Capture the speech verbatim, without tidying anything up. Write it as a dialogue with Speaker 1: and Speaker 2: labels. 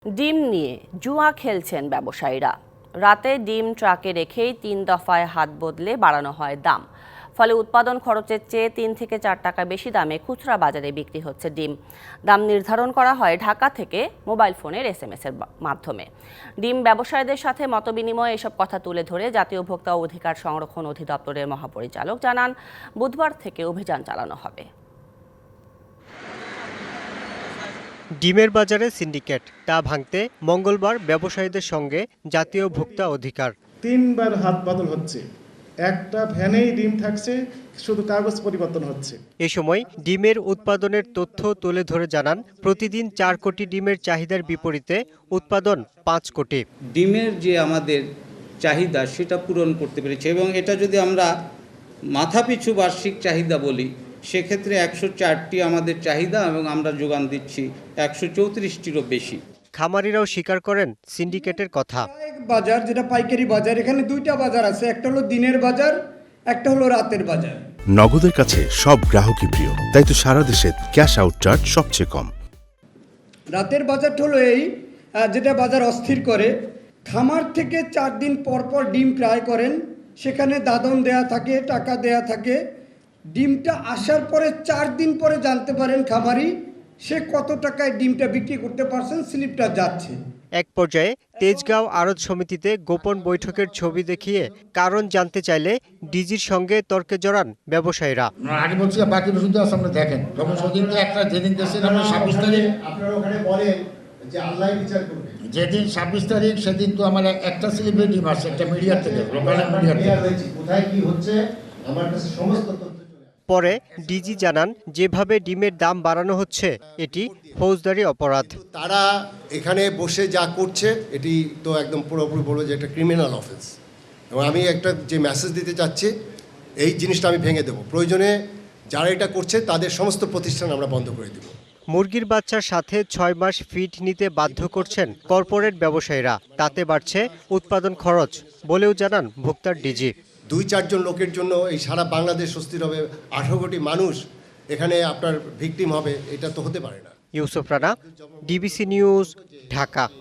Speaker 1: ডিম নিয়ে জুয়া খেলছেন ব্যবসায়ীরা। রাতে ডিম ট্রাকে রেখেই তিন দফায় হাত বদলে বাড়ানো হয় দাম। ফলে উৎপাদন খরচের চেয়ে তিন থেকে চার টাকা বেশি দামে খুচরা বাজারে বিক্রি হচ্ছে ডিম। দাম নির্ধারণ করা হয় ঢাকা থেকে মোবাইল ফোনের এস এম এস এর মাধ্যমে। ডিম ব্যবসায়ীদের সাথে মতবিনিময়ে এসব কথা তুলে ধরে জাতীয় ভোক্তা অধিকার সংরক্ষণ অধিদপ্তরের মহাপরিচালক জানান, বুধবার থেকে অভিযান চালানো হবে।
Speaker 2: ডিমের বাজারে সিন্ডিকেট, তা ভাঙতে মঙ্গলবার ব্যবসায়ীদের সঙ্গে জাতীয় ভোক্তা অধিকার
Speaker 3: তিনবার হাত বদল হচ্ছে। একটা ভ্যানেই ডিম থাকছে, শুধু কাগজ পরিবর্তন হচ্ছে।
Speaker 2: এ সময় ডিমের উৎপাদনের তথ্য তুলে ধরে জানান, প্রতিদিন চার কোটি ডিমের চাহিদার বিপরীতে উৎপাদন পাঁচ কোটি।
Speaker 4: ডিমের যে আমাদের চাহিদা সেটা পূরণ করতে পেরেছে, এবং এটা যদি আমরা মাথাপিছু বার্ষিক চাহিদা বলি সেক্ষেত্রে একশো চারটি আমাদের চাহিদা এবং আমরা যোগান দিচ্ছি একশো চৌত্রিশটিরও বেশি।
Speaker 2: খামারিরাও স্বীকার করেন সিন্ডিকেটের কথা।
Speaker 5: বাজার যেটা পাইকারি বাজার, এখানে দুইটা বাজার আছে, একটা হলো দিনের বাজার, একটা হলো রাতের বাজার।
Speaker 6: নগদের কাছে সব গ্রাহকই প্রিয়, তাই তো সারা দেশে ক্যাশ আউট চার্জ সবচেয়ে কম।
Speaker 5: রাতের বাজারটা হলো এই, যেটা বাজার অস্থির করে। খামার থেকে চার দিন পর পর ডিম ক্রয় করেন, সেখানে দাদন দেয়া থাকে, টাকা দেয়া থাকে। ডিমটা আসার পরে চার দিন পরে জানতে পারেন খামারি সে কত টাকায় ডিমটা বিক্রি করতে পারছেন, স্লিপটা যাচ্ছে।
Speaker 2: এক পর্যায়ে তেজগাঁও আড়ত সমিতিতে গোপন বৈঠকের ছবি দেখিয়ে কারণ জানতে চাইলে ডিজির সঙ্গে তর্কে জড়ান ব্যবসায়ীরা।
Speaker 7: আগে বলছি বাকি শুধু সামনে দেখেন, যখন সেদিন তো একটা যেদিন দেশের আমরা ছাব্বিশ তারিখ
Speaker 3: আপনারা ওখানে বলেন যে আল্লাহ বিচার করবে,
Speaker 7: যেদিন ছাব্বিশ তারিখ সেদিন তো আমার একটা সেলিব্রিটি আসছে একটা মিডিয়া থেকে, লোকাল মিডিয়া থেকে।
Speaker 3: কোথায় কি হচ্ছে আমার কাছে সমস্ত তথ্য।
Speaker 2: পরে ডিজি জানান, যেভাবে ডিমের দাম বাড়ানো হচ্ছে এটি ফৌজদারি অপরাধ।
Speaker 8: তারা এখানে বসে যা করছে এটি তো একদম পুরোপুরি বলবো যে একটা ক্রিমিনাল অফেন্স, এবং আমি একটা যে মেসেজ দিতে চাচ্ছি এই জিনিসটা আমি ভেঙে দেবো। প্রয়োজনে যারা এটা করছে তাদের সমস্ত প্রতিষ্ঠান আমরা বন্ধ করে দেব।
Speaker 2: মুরগির বাচ্চার সাথে ছয় মাস ফিড নিতে বাধ্য করছেন কর্পোরেট ব্যবসায়ীরা, তাতে বাড়ছে উৎপাদন খরচ বলেও জানান ভোক্তার ডিজি।
Speaker 8: দুই চারজন লোকের জন্য এই সারা বাংলাদেশ স্বস্তির হবে, আঠারো কোটি মানুষ এখানে আপনার ভিকটিম হবে, এটা তো হতে পারে না।
Speaker 2: Yusuf Rana, DBC news, Dhaka.